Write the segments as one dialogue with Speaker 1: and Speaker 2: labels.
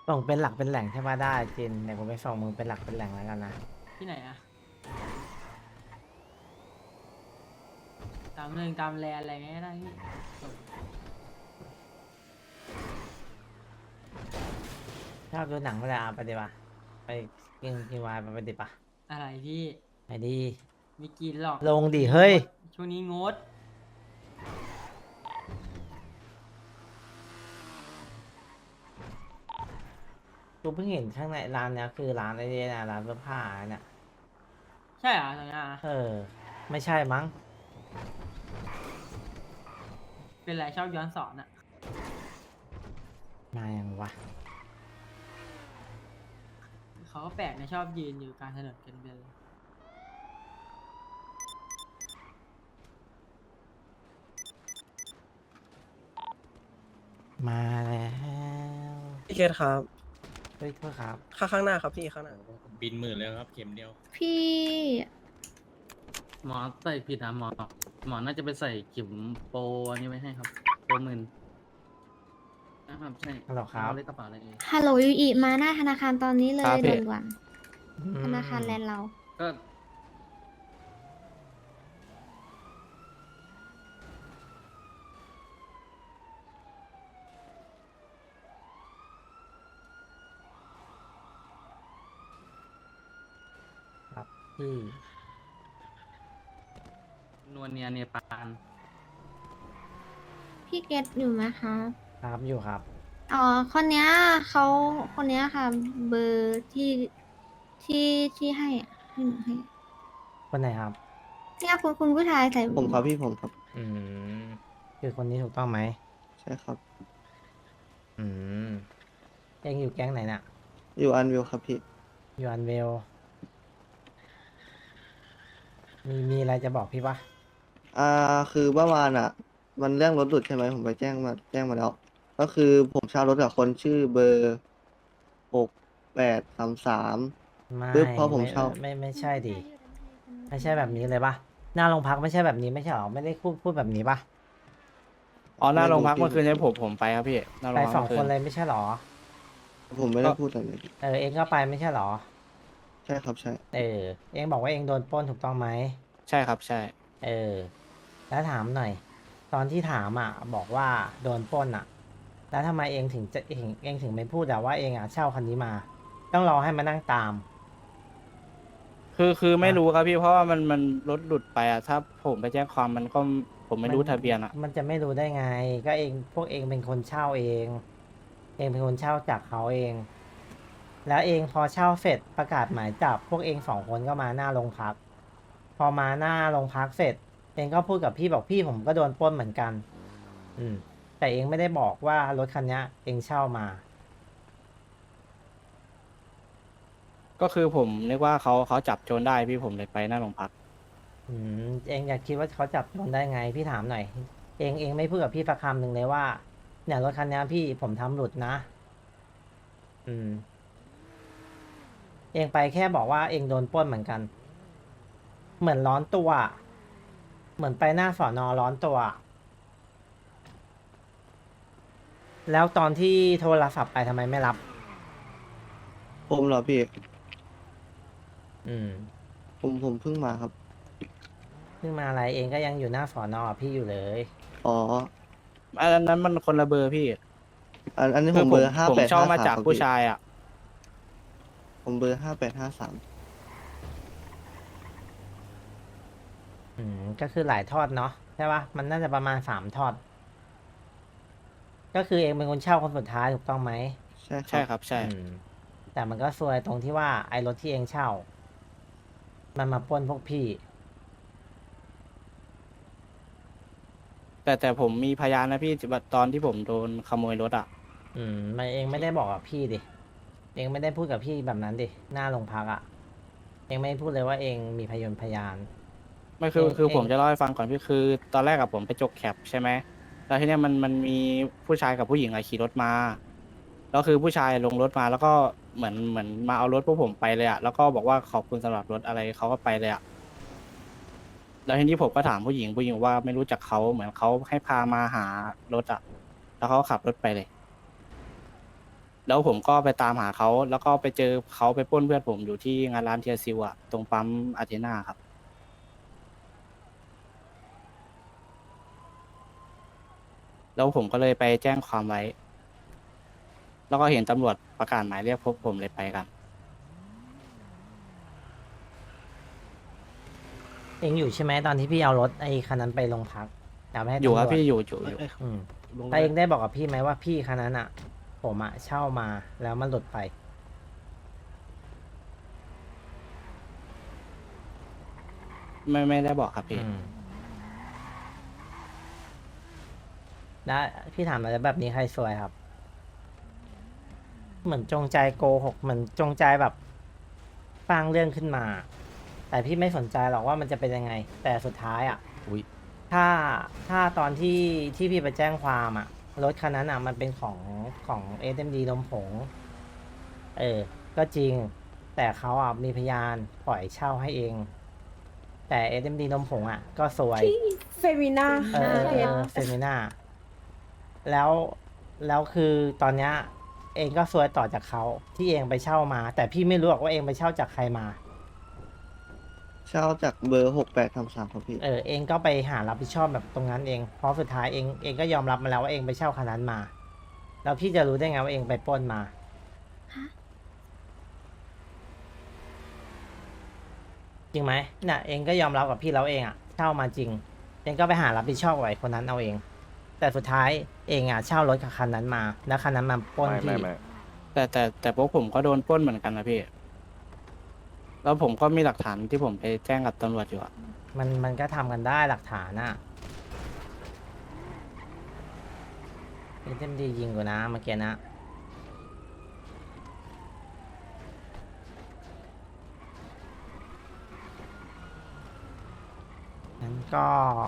Speaker 1: ส่งเป็นหลักเป็นแหล่งใช่ปะได้จินเดี๋ยวผมไปส่งมึงเป็นหลักเป็นแหล่งแล้วกันนะ
Speaker 2: ที่ไหนอะตามเรื่องตามแลนอะไรเงี้ยได้พี่ส่ง
Speaker 1: ชอบดูหนังเวลาไปดีปะไปกินวายไปดิปะ
Speaker 2: อะไรพี่
Speaker 1: ไปดี
Speaker 2: ไม่กินหรอก
Speaker 1: ลง
Speaker 2: ช่วงนี้ง
Speaker 1: ดิเฮ้ย
Speaker 2: ดช่วงนี้งด
Speaker 1: กูเพิ่งเห็นข้างในร้านเนี้ยคือร้านไอ้เนี่ยนะร้านเสื้อผ้าเนี่ย
Speaker 2: ใช่เหรอตรงนี้อะ
Speaker 1: เออไม่ใช่มั้ง
Speaker 2: เป็นไรชอบย้อนสอนอะ
Speaker 1: มายังวะ
Speaker 2: เขาก็แปลกนะชอบยืนอยู่กลางถนนกันเป็น
Speaker 1: มาแล้ว
Speaker 3: พี่เคสครับ
Speaker 1: เฮ้ยโทษครับ
Speaker 3: ข้างหน้าครับพี่ข้างหน้า
Speaker 4: บินหมื่นเลยครับเข็มเดียว
Speaker 5: พี่
Speaker 6: หมอใส่ผิดนะหมอน่าจะไปใส่เข็มโปรอันนี้ไว้ให้ครับโปรหมื่นนะครับใช่
Speaker 1: ฮัลโหลครับ
Speaker 6: เอาเลขกระเป๋าอะไรเอง
Speaker 5: ฮัลโหลยูอิมาหน้าธนาคารตอนนี้เล
Speaker 3: ครั
Speaker 5: ย
Speaker 3: บพี่
Speaker 5: ด่วนๆธนาคารแลนด์เรา
Speaker 6: ก็
Speaker 1: ครับพี่
Speaker 6: นวลเนียเนปาล
Speaker 5: พี่เกตอยู่ไหมคะ
Speaker 1: ครับอยู่ครับ
Speaker 5: อ๋อคนเนี้ยเขาคนเนี้ยค่ะ เบอร์ที่ที่ให้อะให้หนูให้
Speaker 1: คนไหนครับ
Speaker 5: เนี่ยคุณผู้ชายใส่
Speaker 3: ผมครับพี่ผมครับ
Speaker 1: อืมคือคนนี้ถูกต้องไหม
Speaker 3: ใช่ครับ
Speaker 1: อืมเองอยู่แก๊งไหนน่ะ
Speaker 3: อยู่อันวิวครับพี่
Speaker 1: อยู่อันเวลมีอะไรจะบอกพี่ปะ
Speaker 3: อ่าคือเมื่อวานอ่ะ มันเรื่องรถหลุดใช่ไหมผมไปแจ้งมาแล้ว ก็คือผมเช่ารถกับคนชื่อเบอร์6833
Speaker 1: ไม่
Speaker 3: ปึ๊บพอผม
Speaker 1: ไม่
Speaker 3: เช่า
Speaker 1: ไม่ใช่ดิไม่ใช่แบบนี้เลยปะหน้าโรงพักไม่ใช่แบบนี้ไม่ใช่หรอไม่ได้พูดแบบนี้ปะ
Speaker 7: อ๋อหน้าโรงพัก
Speaker 3: ไม่รู้พี่
Speaker 7: เมื่อคืนนี้ผมไปครับพี่หน้าโร
Speaker 1: ไป
Speaker 7: งพักเมื่อคืน
Speaker 1: สองคนเลยไม่ใช่หรอ
Speaker 3: ผมไม่ได้พูดอะไรเลย
Speaker 1: เออเองก็ไปไม่ใช่หรอ
Speaker 3: ใช่ครับใช่
Speaker 1: เออเองบอกว่าเองโดนปล้นถูกต้องไหม
Speaker 7: ใช่ครับใช่
Speaker 1: เออแล้วถามหน่อยตอนที่ถามอ่ะบอกว่าโดนปล้นอ่ะแล้วทำไมเองถึงจะเองถึงไม่พูดแต่ว่าเองอ่ะเช่าคันนี้มาต้องรอให้มานั่งตาม
Speaker 7: คือไม่
Speaker 1: อ่ะ
Speaker 7: รู้ครับพี่เพราะว่ามันรถหลุดไปอะถ้าผมไปแจ้งความมันก็ผมไม่รู้ทะเบียนอะ
Speaker 1: มันจะไม่รู้ได้ไงก็เองพวกเองเป็นคนเช่าเองเองเป็นคนเช่าจากเขาเองแล้วเองพอเช่าเสร็จประกาศหมายจับพวกเองสองคนก็มาหน้าโรงพักพอมาหน้าโรงพักเสร็จเองก็พูดกับพี่บอกพี่ผมก็โดนปล้นเหมือนกันอืมแต่เองไม่ได้บอกว่ารถคันเนี้ยเองเช่ามา
Speaker 7: ก็คือผมนึกว่าเขาจับโจรได้พี่ผมเลยไปหน้าโรงพัก
Speaker 1: เองอยากคิดว่าเขาจับโจรได้ไงพี่ถามหน่อยเองไม่พูดกับพี่สักคำหนึ่งเลยว่าเนี่ยรถคันนี้พี่ผมทำหลุดนะอืมเองไปแค่บอกว่าเองโดนปล้นเหมือนกัน เหมือนร้อนตัวเหมือนไปหน้าสอนอร้อนตัวแล้วตอนที่โทรศัพท์ไปทำไมไม่รับ
Speaker 3: ผมเหรอพี่
Speaker 1: อืม
Speaker 3: ผมเพิ่งมาครับ
Speaker 1: เพิ่งมาอะไรเองก็ยังอยู่หน้าสอนอพี่อยู่เลย
Speaker 3: อ๋อ
Speaker 7: อันนั้นมันคนละเบอร์พี่
Speaker 3: อันนี้
Speaker 7: คือ
Speaker 3: ผมเบอร์ห้า
Speaker 7: ผม
Speaker 3: แปด
Speaker 7: เช่า
Speaker 3: ห้าสาม
Speaker 7: มาจาก
Speaker 3: ครับพี่
Speaker 7: ผู้ชายอะ
Speaker 3: ผมเบอร์5853
Speaker 1: ก็คือหลายทอดเนาะใช่ปะมันน่าจะประมาณ3 ทอดก็คือเองเป็นคนเช่าคนสุดท้ายถูกต้องไหม
Speaker 3: ใช่ครั
Speaker 7: ใช่
Speaker 3: บ
Speaker 7: ครับใช่
Speaker 1: แต่มันก็ซวยตรงที่ว่าไอ้รถที่เองเช่า มันมาปล้นพวกพี่
Speaker 7: แต่ผมมีพยานนะพี่ตอนที่ผมโดนขโมยรถอะ
Speaker 1: ไม่เองไม่ได้บอกกับพี่ดิ เองไม่ได้พูดกับพี่แบบนั้นดิ หน้าโรงพักอ่ะ เองไม่พูดเลยว่าเองมีพยาน
Speaker 7: ไม่คือ
Speaker 1: เอง
Speaker 7: คือ
Speaker 1: เอง
Speaker 7: ผมจะเล่าให้ฟังก่อนพี่คือตอนแรกกับผมไปจกแคปใช่ไหมแล้วทีเนี้ยมันมีผู้ชายกับผู้หญิงอะขี่รถมาแล้วคือผู้ชายลงรถมาแล้วก็เหมือนมาเอารถพวกผมไปเลยอะแล้วก็บอกว่าขอบคุณสำหรับรถอะไรเขาก็ไปเลยอะแล้วทีนี้ผมก็ถามผู้หญิงว่าไม่รู้จักเขาเหมือนเขาให้พามาหารถอะแล้วเขาก็ขับรถไปเลยแล้วผมก็ไปตามหาเขาแล้วก็ไปเจอเขาไปปล้นเพื่อนผมอยู่ที่งานร้านเทียซิวอะตรงปั๊มอาเทนาครับแล้วผมก็เลยไปแจ้งความไว้ แล้วก็เห็นตำรวจประกาศหมายเรียกพบผมเลยไปกัน
Speaker 1: เองอยู่ใช่ไหมตอนที่พี่เอารถไอ้คันนั้นไปโรงพักเอาไปให้
Speaker 7: อยู่
Speaker 1: ตำรวจ
Speaker 7: ครับพี่อยู่
Speaker 1: อืมแต่เองได้บอกกับพี่ไหมว่าพี่คันนั้นอ่ะ ผมอ่ะเช่ามาแล้วมันหลุดไป
Speaker 7: ไม่ได้บอกครับพี่
Speaker 1: อืมแล้วพี่ถามอะไรแบบนี้ใครซวยครับ เหมือนจงใจโกหกเหมือนจงใจแบบสร้างเรื่องขึ้นมา แต่พี่ไม่สนใจหรอกว่ามันจะเป็นยังไง แต่สุดท้ายอ่ะ
Speaker 7: อุ๊ย
Speaker 1: ถ้าตอนที่พี่ไปแจ้งความอ่ะ รถคันนั้นอ่ะ มันเป็นของเอ็มดีลมผง ก็จริง แต่เขาอ่ะมีพยานปล่อยเช่าให้เอง แต่เอ็มดีลมผงอ่ะ ก็สวย
Speaker 8: เฟมินา
Speaker 1: เฟมิน่าแล้วแล้วคือตอนเนี้ยเองก็ซวยต่อจากเขาที่เองไปเช่ามา แต่พี่ไม่รู้หรอกว่าเองไปเช่าจากใครมา
Speaker 3: เช่าจากเบอร์6833ครับพี่
Speaker 1: เองก็ไปหารับผิดชอบแบบตรงนั้นเองเพราะสุดท้ายเองก็ยอมรับมาแล้วว่าเองไปเช่าคันนั้นมา แล้วพี่จะรู้ได้ไงว่าเองไปปล้นมา จริงไหมน่ะเองก็ยอมรับกับพี่แล้วเองอ่ะเช่ามาจริง เองก็ไปหารับผิดชอบกับไอ้คนนั้นเอาเอง แต่สุดท้ายเองอ่ะเช่ารถกับคันนั้นมา แล้วคันนั้นมาปล้นพี่
Speaker 7: แต่พวกผมก็โดนปล้นเหมือนกันนะพี่ แล้วผมก็มีหลักฐานที่ผมไปแจ้งกับตำรวจอยู่อะ
Speaker 1: มันก็ทำกันได้หลักฐานอ่ะเต็มดียิงกูนะเมื่อกี้นะงั้นก็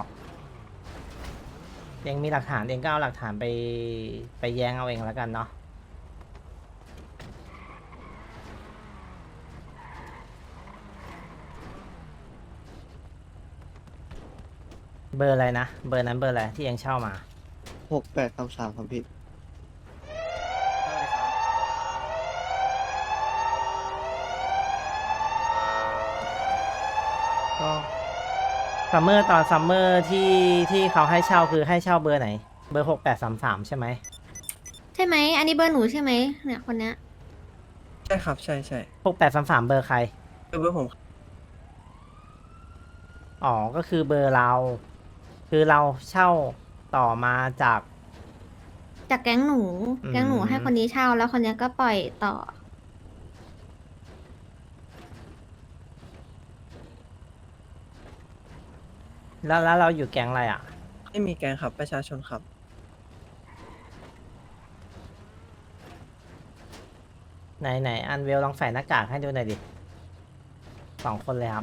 Speaker 1: เองมีหลักฐานเองก็เอาหลักฐานไปแย้งเอาเองแล้วกันเนาะเบอร์อะไรนะเบอร์นั้นเบอร์อะไรที่เองเช่ามา
Speaker 3: 6833ครับพี่
Speaker 1: ก็ซัมเมอร์ตอนซัมเมอร์ที่เขาให้เช่าคือให้เช่าเบอร์ไหน เบอร์6833ใช่ไหม
Speaker 5: ใช่ไหม อันนี้เบอร์หนูใช่ไหมเนี่ยคนเนี้ย
Speaker 9: ใช่ครับ ใช่ใช่
Speaker 1: 6833เบอร์ใคร
Speaker 9: เบอร์ผม
Speaker 1: อ๋อ ก็คือเบอร์เรา คือเราเช่าต่อมาจาก
Speaker 5: จากแก๊งหนู
Speaker 1: อืม
Speaker 5: แก๊งหนูให้คนนี้เช่าแล้วคนเนี้ยก็ปล่อยต่อ
Speaker 1: แล้วเราอยู่แก๊งอะไรอ่ะ
Speaker 9: ไม่มีแกงครับประชาชนครับ
Speaker 1: ไหนอันเวลลองใส่หน้ากากให้ดูหน่อยดิ2 คนเลยครับ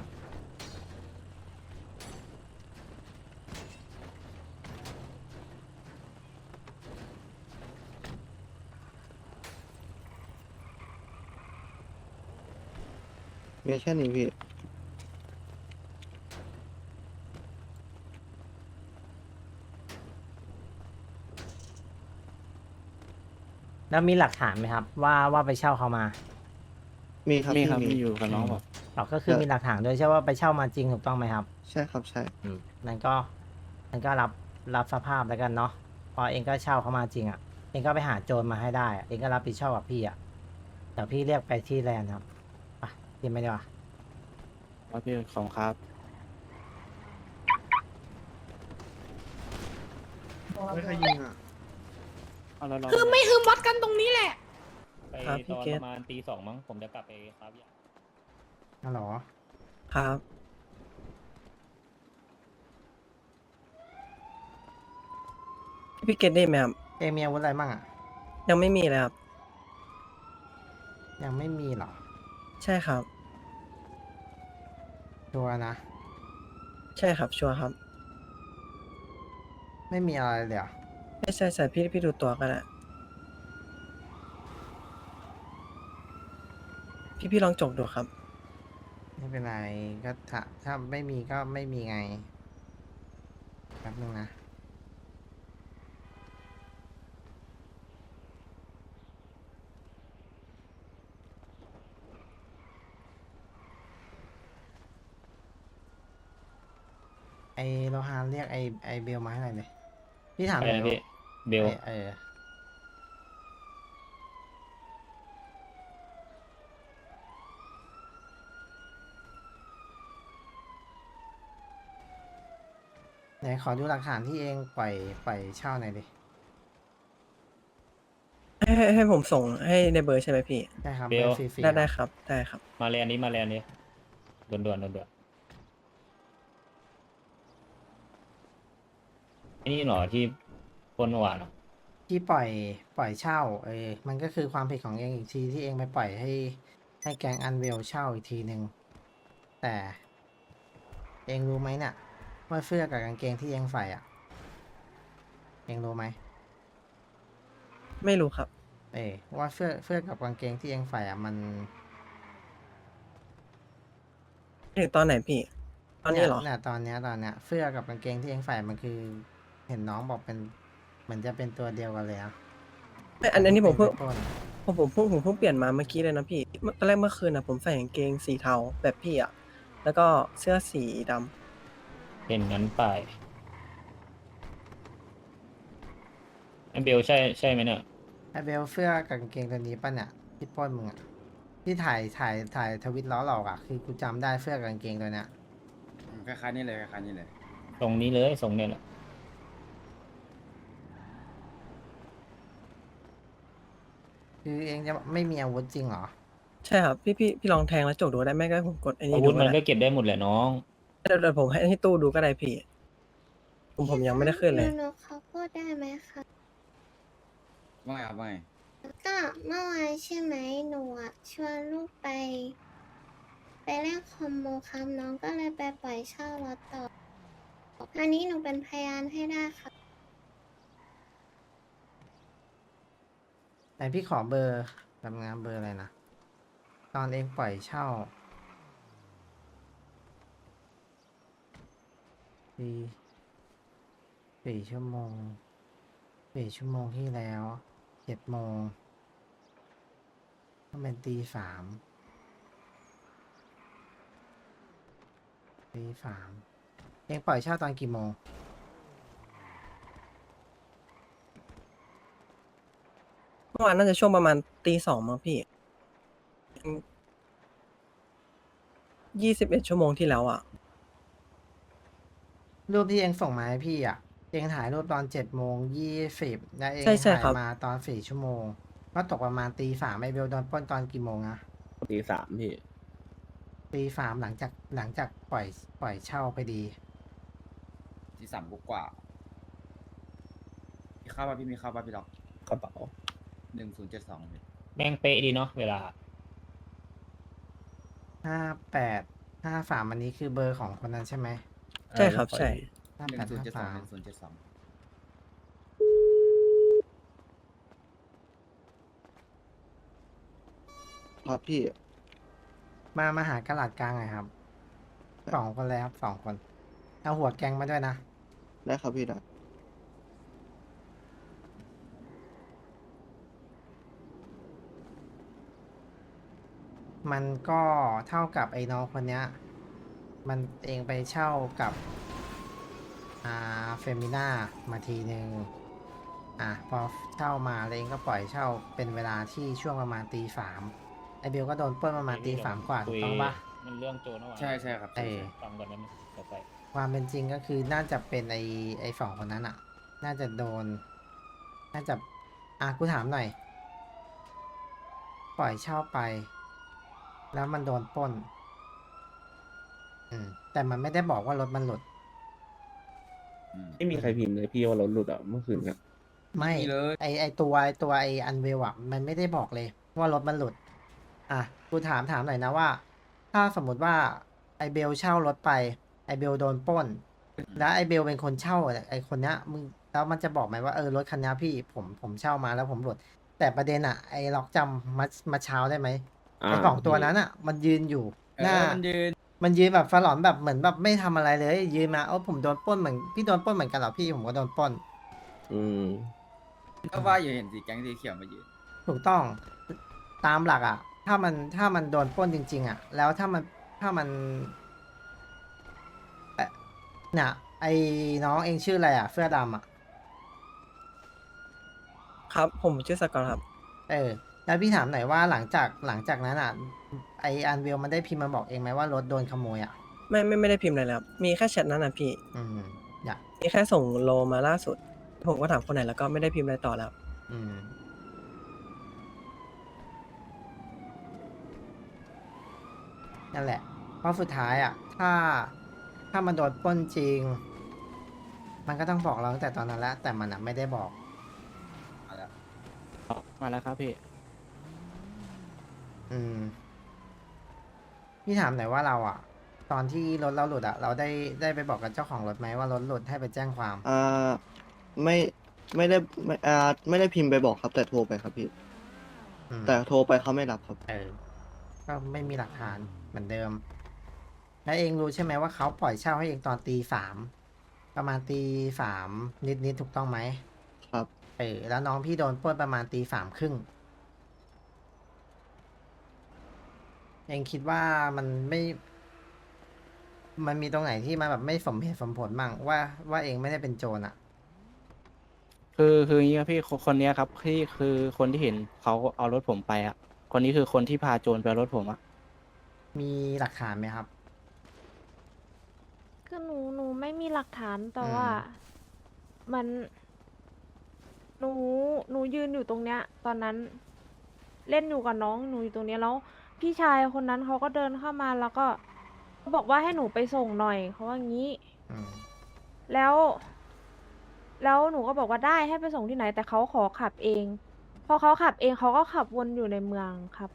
Speaker 3: มีแค่นี้พี่
Speaker 1: แล้วมีหลักฐานไหมครับ ว่าไปเช่าเขามา
Speaker 3: มีครับ
Speaker 7: มี
Speaker 3: พี่
Speaker 7: ครับ
Speaker 3: มี
Speaker 7: มีอยู่กับน้องผม
Speaker 1: เราก็คือมีหลักฐานด้วยใช่ว่าไปเช่ามาจริงถูกต้องไหมครับ
Speaker 3: ใช่ครับใช่
Speaker 1: นั่นก็รับสภาพแล้วกันเนาะพอเองก็เช่าเขามาจริงอ่ะเองก็ไปหาโจรมาให้ได้อะเองก็รับผิดชอบกับพี่อ่ะเดี๋ยวพี่เรียกไปที่แลนด์ครับไปกินไม่ได้วะ
Speaker 7: ว่าพี่ของครับ
Speaker 3: ไม่เคยยิงอ่ะ
Speaker 7: เอาแล้วเรา
Speaker 8: คือไม่คือวัดกันตรงนี้แหละ
Speaker 4: ไป
Speaker 9: ครับพี่
Speaker 4: ตอน
Speaker 9: เก
Speaker 4: ป
Speaker 9: ต
Speaker 4: ระมาณตี 2มั้งผมจะกลับไปครับยา
Speaker 1: ฮัลโหล
Speaker 9: ครับ พี่เกตได้ไหมครับ
Speaker 1: เองมีอาวุธอะไรบ้างอ่ะ
Speaker 9: ยังไม่มีเลยครับ
Speaker 1: ยังไม่มีหรอ
Speaker 9: ใช่ครับ
Speaker 1: ชัวร์นะ
Speaker 9: ใช่ครับชัวร์ครับ
Speaker 1: ไม่มีอะไรเลยเหรอ
Speaker 9: ไม่ใช่ใช่พี่ดูตัวก็ได้พี่ลองจกดูครับ
Speaker 1: ไม่เป็นไรก็ถ้าไม่มีก็ไม่มีไงแป๊บนึงนะไอโลฮานเรียกไอเบลมาให้หน่อยเลยพี่ถาม
Speaker 4: อะไร
Speaker 1: หน่อย
Speaker 4: นะพี่เบล
Speaker 1: ไหนขอดูหลักฐานที่เองปล่อยเช่าหน่อยดิ
Speaker 9: ให้ผมส่งให้ในเบอร์ใช่ไหมพี่
Speaker 1: ได้ครับ
Speaker 4: เบล
Speaker 1: ฟรีๆ
Speaker 9: ได้
Speaker 1: ครับ
Speaker 9: ได้ครับ
Speaker 4: มาแลนด์นี้มาแลนด์นี้ด่วนไอ้นี่เหรอที่ปล้นเมื่อวานเหรอ
Speaker 1: ที่ปล่อยเช่ามันก็คือความผิดของเองอีกทีที่เองไปปล่อยให้แก๊งอันเวลเช่าอีกทีหนึ่งแต่เองรู้ไหมเนี่ยว่าเสื้อกับกางเกงที่เองใส่อ่ะเองรู้ไหม
Speaker 9: ไม่รู้ครับ
Speaker 1: ว่าเสื้อกับกางเกงที่เองใส่อ่ะมัน
Speaker 9: ถึงตอนไหนพี่ ตอนนี้เหรอ
Speaker 1: เนี่ยตอนเนี้ยเสื้อกับกางเกงที่เองใส่มันคือ เห็นน้องบอกเป็นเหมือนจะเป็นตัวเดียวกันเลยอ่ะ
Speaker 9: อันนี้ผมเพิ่ง
Speaker 1: ป็นต้น
Speaker 9: ผมเพิ่งเปลี่ยนมาเมื่อกี้เลยนะพี่ตอนแรกเมื่อคืนนะผมใส่กางเกงสีเทาแบบพี่อ่ะ แล้วก็เสื้อสีดำ
Speaker 4: เป็นงั้นไปไอ้เบลใช่ไหมเนี่ย
Speaker 1: ไอเบลเสื้อกับกางเกงตัวนี้ป่ะเนี่ยที่ปล้นมึงอ่ะที่ถ่ายทวิตล้อหลอกอ่ะคือกูจำได้เสื้อกับกางเกงตัวเนี้ย
Speaker 10: คล้ายๆนี่เลยคล้ายๆนี่เลย
Speaker 4: ตรงนี้เลยทรงเนี่ยแหละ
Speaker 1: คือเองจะไม่มีอาวุธจริงเหรอ
Speaker 9: ใช่ครับพี่ลองแทงแล้วจกดูได้ไหมก็ให้ผมกดไอ้
Speaker 4: อา
Speaker 9: นี่
Speaker 4: วุ
Speaker 9: ดู
Speaker 4: ธ
Speaker 9: ก็
Speaker 4: มัน
Speaker 9: ได้
Speaker 4: ก็เก็บได้หมดแหละน้อง
Speaker 9: เดี๋ยวผมให้ตู้ดูก็ได้พี่ ผมยังไม่ได้ขึ้นเลย
Speaker 5: หนูเขาพูดได้ไหมคะ
Speaker 10: ว่าไงครับว่าไง
Speaker 5: ก็เมื่อวานใช่ไหมหนูอะชวนลูกไปเล่นคอมโบครับน้องก็เลยไปปล่อยเช่ารถต่อ อันนี้หนูเป็นพยานให้ได้ค่ะ
Speaker 1: ไหนพี่ขอเบอร์ทำงานเบอร์อะไรนะ ตอนเองปล่อยเช่า4 ชั่วโมงที่แล้ว7 โมงก็เป็นตี 3เองปล่อยเช่าตอนกี่โมง
Speaker 9: เมื่อวานน่าจะช่วงประมาณตี 2มั้งพี่21 ชั่วโมงที่แล้วอ่ะ
Speaker 1: รูปที่เองส่งมาให้พี่อ่ะ เองถ่ายรูปตอน7:20แล้วเอง
Speaker 9: ใช่
Speaker 1: ถ่าย
Speaker 9: ครับ
Speaker 1: มาตอน4 ชั่วโมง ก็ตกประมาณตี 3ไอเบลโดนปล้นตอนกี่โมงอะ
Speaker 10: ตีสามพี่
Speaker 1: ตี 3หลังจากปล่อยเช่าไปดี
Speaker 10: ตีสามกว่ามีข้าวป่ะพี่มีข้าวป่ะพี่ล็อก
Speaker 3: กระเป๋า
Speaker 10: 1072พี่
Speaker 4: แม่งเป๊ะดีเนาะเวลา
Speaker 1: 5853อันนี้คือเบอร์ของคนนั้นใช่ไหม
Speaker 9: ใช่ครับใช่
Speaker 1: 5853
Speaker 10: 1072
Speaker 3: ครับพี่
Speaker 1: มาหากระดาษกลางหน่อยครับ2 คนเลยครับ2 คนเอาหัวแกงมาด้วยนะ
Speaker 3: ได้ครับพี่นะ
Speaker 1: มันก็เท่ากับไอ้น้องคนเนี้ย มันเองไปเช่ากับเฟมิน่ามาทีนึงพอเช่ามาแล้วเองก็ปล่อยเช่าเป็นเวลาที่ช่วงประมาณตี 3ไอเบลก็โดนปล้นประมาณตี 3 กว่าถูกต้องปะ
Speaker 4: มันเรื่องโจรเมื่อวาน
Speaker 10: ใช่ครับ
Speaker 1: เออ
Speaker 4: ฟังก่อนได้ไหมเดี๋ยวไป
Speaker 1: ความเป็นจริงก็คือน่าจะเป็นไอ้2 คนนั้นอ่ะ น่าจะโดน น่าจะกูถามหน่อย ปล่อยเช่าไป แล้วมันโดนปล้น แต่มันไม่ได้บอกว่ารถมันหลุด
Speaker 10: ไม่มีใครพิมพ์เลยพี่ว่ารถหลุดอ่ะเมื่อคืนครับ
Speaker 1: ไม่
Speaker 10: เลย
Speaker 1: ไอตัวไออันเวลอ่ะ มันไม่ได้บอกเลยว่ารถมันหลุด กูถามหน่อยนะว่า ถ้าสมมติว่าไอเบลเช่ารถไป ไอเบลโดนปล้น แล้วไอเบลเป็นคนเช่าไอคนเนี้ยมึงแล้วมันจะบอกไหมว่ารถคันนี้พี่ผมเช่ามาแล้วผมหลุด แต่ประเด็นไอล็อกจำมาเช้าได้ไหมไอ2 ตัวนั้นมันยืนอยู่หน้า มันยืนแบบฟาหลอนแบบเหมือนแบบไม่ทำอะไรเลย ยืนมาผมโดนปล้นเหมือนพี่โดนปล้นเหมือนกันเหรอพี่ผมก็โดนปล้น
Speaker 10: ก็ว่าอยู่เห็นสีแก๊งสีเขียวมายืน
Speaker 1: ถูกต้องตามหลักถ้ามันโดนปล้นจริงๆแล้วถ้ามันเนี่ยไอ้น้องเองชื่ออะไรอ่ะเสื้อดำอ่ะ
Speaker 9: ครับผมชื่อสกอตครับ
Speaker 1: เออแล้วพี่ถามหน่อยว่าหลังจากนั้นอ่ะไออันเวลมันได้พิมพ์มาบอกเองไหมว่ารถโดนขโมยอ่ะ
Speaker 9: ไม่ได้พิมพ์อะไรเลยครับ มีแค่แชทนั้นนะพี่
Speaker 1: อืมอยาก
Speaker 9: มีแค่ส่งโลมาล่าสุด ผมก็ถามคนไหนแล้วก็ไม่ได้พิมพ์อะไรต่อแล้ว
Speaker 1: อืมนั่นแหละ เพราะสุดท้ายอ่ะ ถ้ามันโดนปล้นจริง มันก็ต้องบอกเราตั้งแต่ตอนนั้นแล้วแต่มันอ่ะไม่ได้บอก
Speaker 7: มาแล้วครับพี่
Speaker 1: อืมพี่ถามหน่อยว่าเราอ่ะ ตอนที่รถเราหลุดอ่ะ เราได้ไปบอกกับเจ้าของรถไหมว่ารถหลุดให้ไปแจ้งความ
Speaker 3: ไม่ไม่ได้ไม่ได้พิมพ์ไปบอกครับ แต่โทรไปครับพี่
Speaker 1: อืม
Speaker 3: แต่โทรไปเขาไม่รับครับ
Speaker 1: เออ ก็ไม่มีหลักฐานเหมือนเดิม แล้วเองรู้ใช่ไหมว่าเขาปล่อยเช่าให้เองตอนตี 3ประมาณตี 3นิดถูกต้องไหม
Speaker 3: ครับ
Speaker 1: เออ แล้วน้องพี่โดนปล้นประมาณตี 3 ครึ่ง เองคิดว่ามันมีตรงไหนที่มันแบบไม่สมเหตุสมผลมั่งว่าเองไม่ได้เป็นโจรอ่ะ
Speaker 7: คืออย่างนี้ครับพี่คนเนี้ยครับที่คือคนที่เห็นเขาเอารถผมไปอ่ะ คนนี้คือคนที่พาโจรไปเอารถผมอ่ะ
Speaker 1: มีหลักฐานไหมครับ
Speaker 11: คือหนูไม่มีหลักฐานแต่
Speaker 1: อืม
Speaker 11: ว่ามันหนูหนูยืนอยู่ตรงเนี้ย ตอนนั้นเล่นอยู่กับน้องหนูอยู่ตรงเนี้ยแล้วพี่ชายคนนั้นเขาก็เดินเข้ามาแล้วก็เขาบอกว่าให้หนูไปส่งหน่อยเขาว่างี้
Speaker 1: อืม
Speaker 11: แล้วหนูก็บอกว่าได้ให้ไปส่งที่ไหน แต่เขาขอขับเอง พอเขาขับเองเขาก็ขับวนอยู่ในเมืองครับ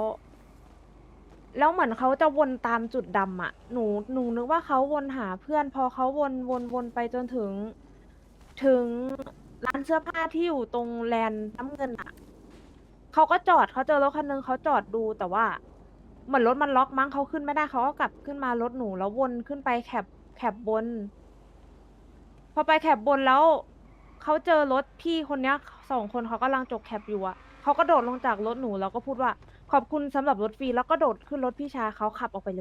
Speaker 11: แล้วเหมือนเขาจะวนตามจุดดำอ่ะ หนูนึกว่าเขาวนหาเพื่อน พอเขาวนไปจนถึงร้านเสื้อผ้าที่อยู่ตรงแลนด์น้ำเงินอ่ะเขาก็จอดเขาเจอรถคันนึงเขาจอดดูแต่ว่าเหมือนรถมันล็อกมั้งเขาขึ้นไม่ได้เขาก็กลับขึ้นมารถหนูแล้ววนขึ้นไปแคบบน พอไปแคบบนแล้วเขาเจอรถพี่คนเนี้ย2 คนเขากำลังจกแคปอยู่อะเขาก็โดดลงจากรถหนูแล้วก็พูดว่าขอบคุณสำหรับรถฟรีแล้วก็โดดขึ้นรถพี่ชายเขาขับออกไปเลย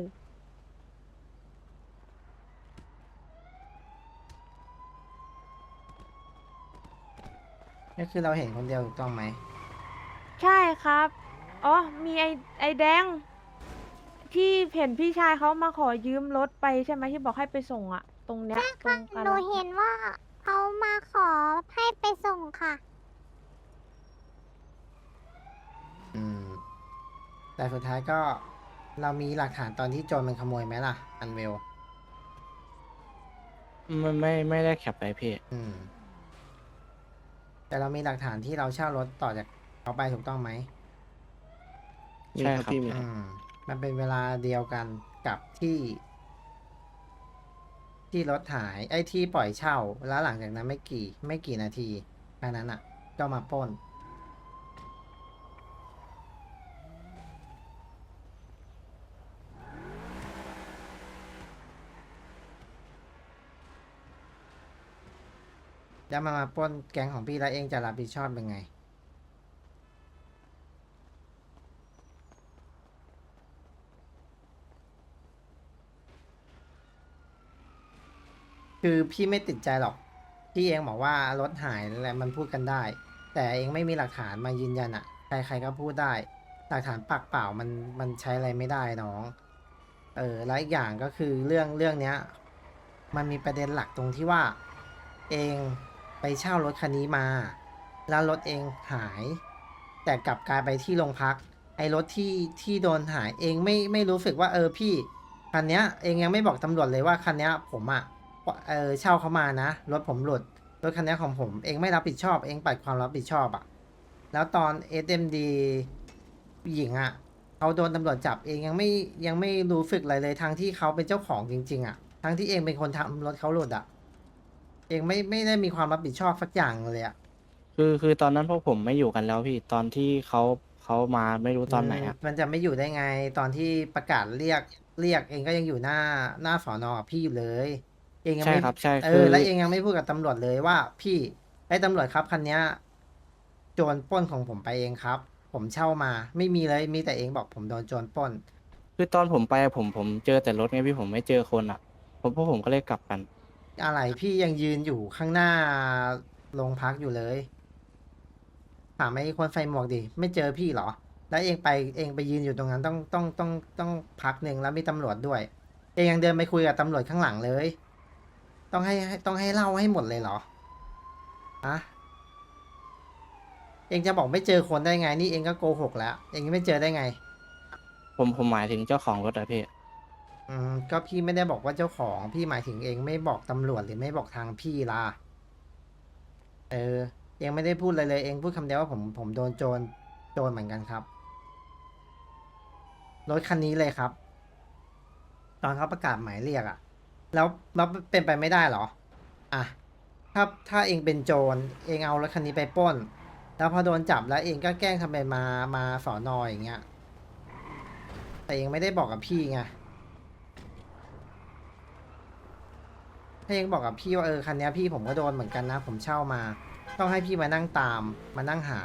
Speaker 1: ก็คือเราเห็นคนเดียวถูกต้องไหม
Speaker 11: ใช่ครับอ๋อมีไอแดงที่เห็นพี่ชายเขามาขอยืมรถไปใช่ไหมที่บอกให้ไปส่งอะตรงเนี้ยตรงกา
Speaker 5: หนู
Speaker 11: ลา
Speaker 5: เห็นว่าเขามาขอให้ไปส่งค่ะ
Speaker 1: อืม แต่สุดท้ายก็เรามีหลักฐานตอนที่โจรมันขโมยไหมล่ะ อันเวล
Speaker 7: ไม่ได้แคปไปพี่
Speaker 1: อืม แต่เรามีหลักฐานที่เราเช่ารถต่อจากเขาไปถูกต้องไหม
Speaker 3: มี
Speaker 7: ใช่
Speaker 3: ครับ
Speaker 7: ครับ
Speaker 3: พี่มีค
Speaker 1: อื
Speaker 3: รับ
Speaker 1: ม มันเป็นเวลาเดียวกันกับที่รถหาย ไอ้ที่ปล่อยเช่า แล้วหลังจากนั้นไม่กี่นาทีแค่นั้นอ่ะ ก็มาปล้น แล้วมาปล้นแก๊งของพี่แล้วเองจะรับผิดชอบยังไง คือพี่ไม่ติดใจหรอก พี่เองบอกว่ารถหายอะไรมันพูดกันได้ แต่เองไม่มีหลักฐานมายืนยันอะใครๆก็พูดได้ หลักฐานปากเปล่ามันใช้อะไรไม่ได้น้อง แล้วอีกอย่างก็คือเรื่องเนี้ย มันมีประเด็นหลักตรงที่ว่า เองไปเช่ารถคันนี้มา แล้วรถเองหาย แต่กลับกลายไปที่โรงพัก ไอ้รถที่โดนหายเองไม่รู้สึกว่าพี่คันเนี้ย เองยังไม่บอกตำรวจเลยว่าคันเนี้ยผมอะเช่าเขามานะรถผมหลุดรถคันเนี้ยของผมเองไม่รับผิดชอบเองปัดความรับผิดชอบอะแล้วตอน SMD หญิงอะเขาโดนตำรวจจับเองยังไม่รู้สึกอะไรเลยทั้งที่เขาเป็นเจ้าของจริงๆอะทั้งที่เองเป็นคนทำรถเขาหลุดอะเองไม่ได้มีความรับผิดชอบสักอย่างเลยอะ
Speaker 7: คือตอนนั้นพวกผมไม่อยู่กันแล้วพี่ตอนที่เขามาไม่รู้ตอนไหนอ่ะ
Speaker 1: มันจะไม่อยู่ได้ไงตอนที่ประกาศเรียกเองก็ยังอยู่หน้าสอนอกับพี่อยู่เลย เองยัง
Speaker 7: ใช่
Speaker 1: ไม่
Speaker 7: ครับใช่คือ
Speaker 1: แล้วเองยังไม่พูดกับตำรวจเลยว่าพี่ไอ้ตำรวจครับคันเนี้ยโจรปล้นของผมไปเองครับ ผมเช่ามาไม่มีเลยมีแต่เองบอกผมโดนโจรปล้น
Speaker 7: คือตอนผมไปผมเจอแต่รถไงพี่ผมไม่เจอคนอ่ะพวกผมก็เลยกลับกัน
Speaker 1: อะไรพี่ยังยืนอยู่ข้างหน้าโรงพักอยู่เลยถามไอ้คนใส่หมวกดิไม่เจอพี่เหรอ แล้วเองไปยืนอยู่ตรงนั้นต้องพักหนึ่งแล้วมีตำรวจด้วย เองยังเดินไปคุยกับตำรวจข้างหลังเลย ต้องให้เล่าให้หมดเลยเหรออะเองจะบอกไม่เจอคนได้ไงนี่เองก็โกหกแล้ว เองไม่เจอได้ไง
Speaker 7: ผมหมายถึงเจ้าของรถอะพี่
Speaker 1: ก็พี่ไม่ได้บอกว่าเจ้าของพี่หมายถึงเองไม่บอกตำรวจหรือไม่บอกทางพี่ล่ะเองไม่ได้พูดอะไรเลยเองพูดคำเดียวว่าผมโดนโจรเหมือนกันครับรถคันนี้เลยครับ ตอนเขาประกาศหมายเรียกอะแล้วเป็นไปไม่ได้เหรออ่ะถ้าเองเป็นโจรเองเอารถคันนี้ไปปล้น แล้วพอโดนจับแล้วเองก็แกล้งทำเป็นมาสอนออย่างเงี้ยแต่เองไม่ได้บอกกับพี่ไง ถ้าเองบอกกับพี่ว่าคันนี้พี่ผมก็โดนเหมือนกันนะ ผมเช่ามา ต้องให้พี่มานั่งตามมานั่งหา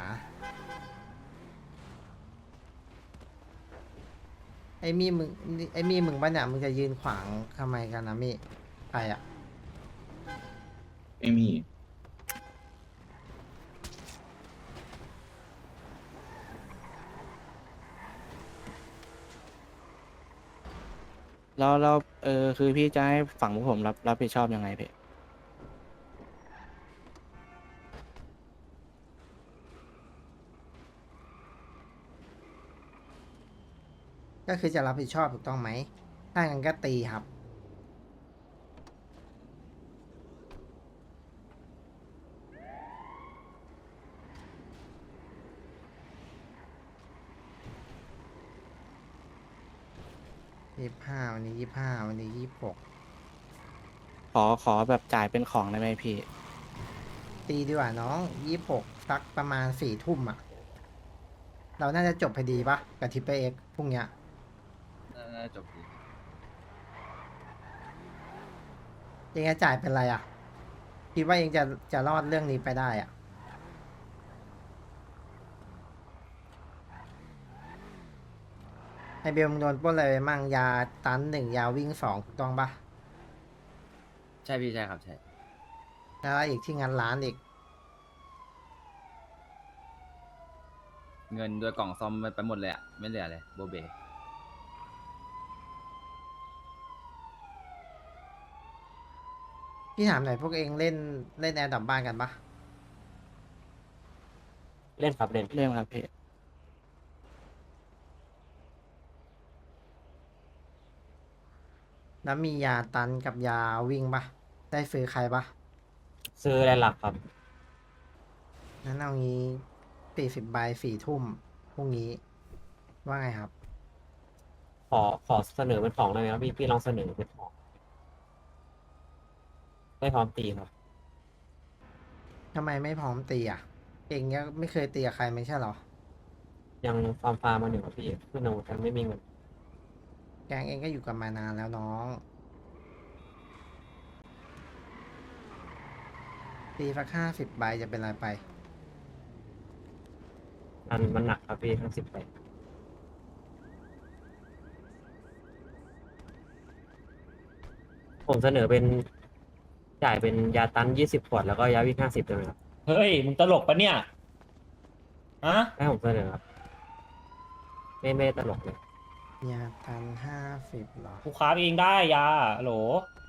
Speaker 1: ไอ้มี่มึงป่ะเนี่ยมึงจะยืนขวางทำไมกันนะมี่ใครอ่ะ
Speaker 10: ไม่มี
Speaker 7: แล้วคือพี่จะให้ฝั่งพวกผมรับผิดชอบยังไงพี่
Speaker 1: ก็คือจะรับผิดชอบถูกต้องไหมถ้างั้นก็ตีครับ 25 วันนี้ 25 วันนี้ 26
Speaker 7: ขอแบบจ่ายเป็นของได้ไหมพี่
Speaker 1: ตีดีกว่าน้อง 26สักประมาณ4 ทุ่มอ่ะ เราน่าจะจบพอดีปะกับทิปเปอร์เอ็กพรุ่งเนี้ย
Speaker 6: จบดี
Speaker 1: เองจะจ่ายเป็นไรอ่ะ คิดว่าเองจะรอดเรื่องนี้ไปได้อ่ะ ไอเบลมึงโดนปล้นอะไรไปมั่งยาตัน1ยาวิ่ง2ถูกต้องปะ
Speaker 6: ใช่พี่ใช่ครับใช่
Speaker 1: แล้วอีกที่งานร้านอีก
Speaker 6: เงินด้วยกล่องซ่อมไปหมดเลยอะไม่เหลือเลยโบเบ
Speaker 1: พี่ถามหน่อยพวกเองเล่นแอร์ดับบ้านกันปะ
Speaker 4: เล่นครับเล่น
Speaker 7: เรื่องครับพี่
Speaker 1: แล้วมียาตันกับยาวิ่งปะได้ซื้อใครปะ
Speaker 4: ซื้ออะไรหลักครับ
Speaker 1: งั้นเอางี้40 ใบ 4 ทุ่มพรุ่งนี้ ว่าไงครับ
Speaker 4: ขอเสนอเป็นของได้ไหมครับพี่ลองเสนอเป็นของไม่พร้อมตีครับ
Speaker 1: ทำไมไม่พร้อมตีอ่ะ เองก็ไม่เคยตีกับใครไม่ใช่เหรอ
Speaker 4: ยังฟาร์มมาหนึ่งครับพี่คือหนูกันไม่มีเงิน
Speaker 1: แกงเองก็อยู่กันมานานแล้วน้อง ตีสัก50 ใบจะเป็นไรไป
Speaker 4: มันหนักครับพี่ทั้ง10 ไปผมเสนอเป็นจ่ายเป็นยาตัน20 ขวดแล้วก็ยาวิ่ง50ได้ไหมครับ เฮ้ย มึงตลกปะเนี่ยฮะให้ผมเสนอครับไม่ตลกเลย
Speaker 1: ยาตัน50เหรอ
Speaker 4: กูค้าเองได้ยาโหล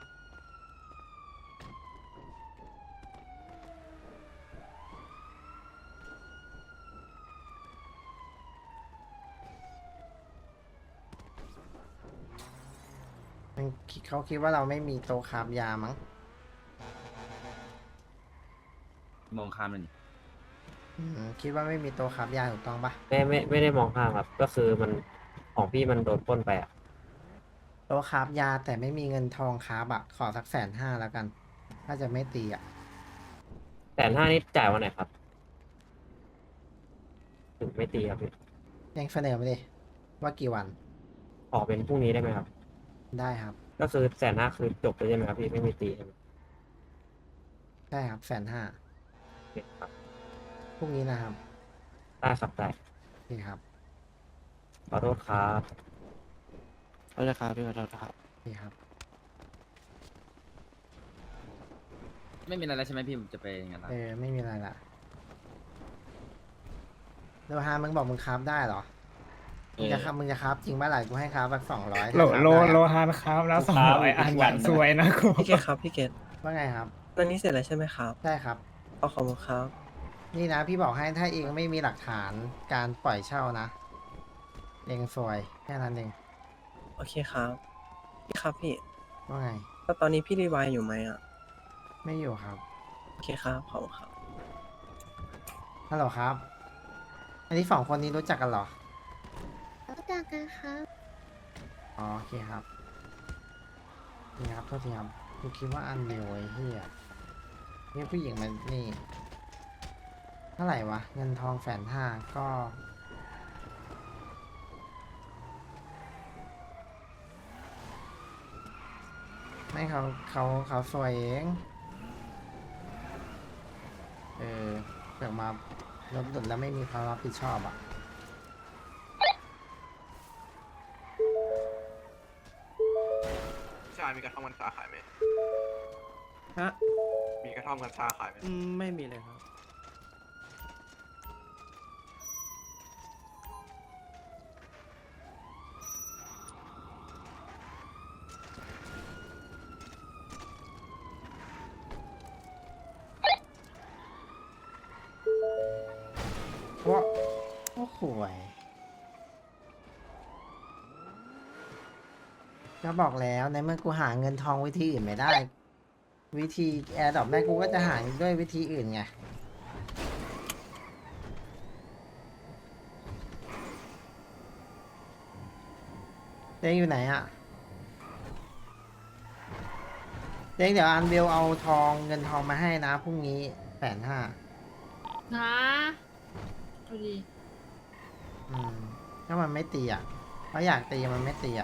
Speaker 1: เขาคิดว่าเราไม่มีโต๊ะคราฟยามั้ง
Speaker 6: มองข้ามเลย
Speaker 1: คิดว่าไม่มีโต๊ะคราฟยาถูกต้องปะ
Speaker 4: ไม่ได้มองข้ามครับ ก็คือมันของพี่มันโดนปล้นไปอ่ะ
Speaker 1: โต๊ะคราฟยาแต่ไม่มีเงินทองคราฟอะขอสัก150,000แล้วกัน ถ้าจะไม่ตีอะ
Speaker 4: 150,000นี่จ่ายวันไหนครับ ถึงไม่ตีครับพี่
Speaker 1: ยังเสนอมาดิว่ากี่วัน
Speaker 4: ขอเป็นพรุ่งนี้ได้ไหมครับ
Speaker 1: ได้ครับ
Speaker 4: ก็คือ150,000คือจบเลยใช่ไหมครับพี่ไม่มีตีใช่ไหม
Speaker 1: ได้ครับ150,000
Speaker 4: โอเคครับ
Speaker 1: พรุ่งนี้นะครับ
Speaker 4: ได้ครับได้
Speaker 1: โอเคครับ
Speaker 4: ขอโทษครับ
Speaker 7: ขอโทษครับพี่ขอโทษครับ
Speaker 1: โอเคครับ
Speaker 6: ไม่มีอะไรแล้วใช่ไหมพี่ผมจะไปงานร้าน
Speaker 1: ไม่มีอะไรละโลฮามึงบอกมึงคราฟได้เหรอ มึงจะคราฟจริงป่ะล่ะกูให้คราฟสัก200
Speaker 7: โลฮานครับแล้ว200 อันอย่างสวยนะกู
Speaker 9: พี่เกตครับพี่เกต
Speaker 1: ว่าไงครับ
Speaker 9: ตอนนี้เสร็จแล้วใช่ไหมครับ
Speaker 1: ได้ครับ
Speaker 9: เอาขอบคุณครับ
Speaker 1: นี่นะพี่บอกให้ถ้าเองไม่มีหลักฐานการปล่อยเช่านะ เองซวยแค่นั้นเอง
Speaker 9: โอเคครับพี่ครับพี่
Speaker 1: ว่าไง
Speaker 9: แล้วตอนนี้พี่รีไวายอยู่ไหมอ่ะ
Speaker 1: ไม่อยู่ครับ
Speaker 9: โอเคครับขอบคุณครับ
Speaker 1: ฮัลโหลครับ อันนี้2 คนนี้รู้จักกันเหรอ
Speaker 5: รู้จักกันครับ
Speaker 1: อ๋อโอเคครับนี่ครับโทษทีครับกูคิดว่าอันเดียวไอ้เหี้ยนี่ผู้หญิงมันนี่เท่าไหร่วะ เงินทอง150,000ก็ไม่เขาสวยเองเกิดมารถหลุดแล้วไม่มีความรับผิดชอบอ่ะ
Speaker 3: ใช่มีกระท่อมกัญชาขายไหม
Speaker 9: ฮะ
Speaker 3: มีกระท่อมกัญชาขายไหม
Speaker 9: ไม่มีเลยครับ
Speaker 1: ว่าโอ้โหยก็บอกแล้วในเมื่อกูหาเงินทองวิธีอื่นไม่ได้ วิธีแอร์ดรอปแม่กูก็จะหาด้วยวิธีอื่นไงเด้งอยู่ไหนอะเด้งเดี๋ยวอันเบลเอาทองเงินทองมาให้นะพรุ่งนี้150,000
Speaker 8: นะดูดี
Speaker 1: ถ้ามันไม่ตีอ่ะเพราะอยากตีมันไม่ตีอ่ะ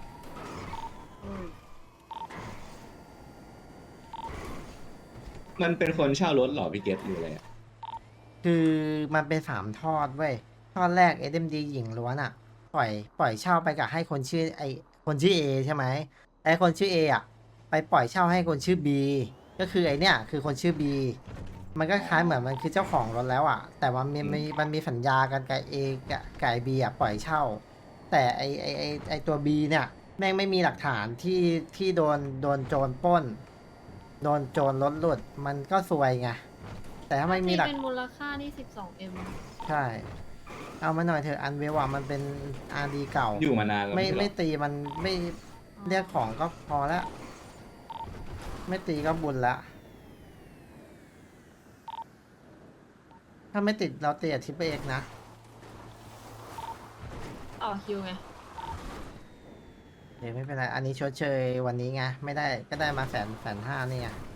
Speaker 10: มันเป็นคนเช่ารถเหรอพี่เกตหรืออะไรอะ
Speaker 1: คือมันเป็น3 ทอดเว้ย ทอดแรก SMD หญิงล้วนอ่ะ ปล่อยเช่าไปกับให้คนชื่อคนชื่อ A ใช่ไหมไอคนชื่อ A อ่ะ ไปปล่อยเช่าให้คนชื่อ B ก็คือไอเนี้ยคือคนชื่อ B มันก็คล้ายเหมือนมันคือเจ้าของรถแล้วอ่ะ แต่ว่ามันมีสัญญากันกับ A กับ B อ่ะปล่อยเช่า แต่ไอตัว B เนี่ยแม่งไม่มีหลักฐานที่โดนโจรปล้น โดนโจรรถหลุดมันก็ซวยไง แต่ถ้าไม่มีหลัก
Speaker 8: เป็นมูลค่าที่ 12M
Speaker 1: ใช่ เอามาหน่อยเถอะอันเวลว่ามันเป็นอาร์ดีเก่า
Speaker 10: อยู่มานานแล้ว
Speaker 1: ไม่
Speaker 10: ใช่เหรอ
Speaker 1: ไม่ตีมันไม่เรียกของก็พอแล้ว ไม่ตีก็บุญละ ถ้าไม่ติดเราเตียทิปเอกนะ
Speaker 8: ต่อคิวไง
Speaker 1: เดี๋ยวไม่เป็นไร อันนี้ชดเชยวันนี้ไง ไม่ได้ก็ได้มา150,000นี่ไง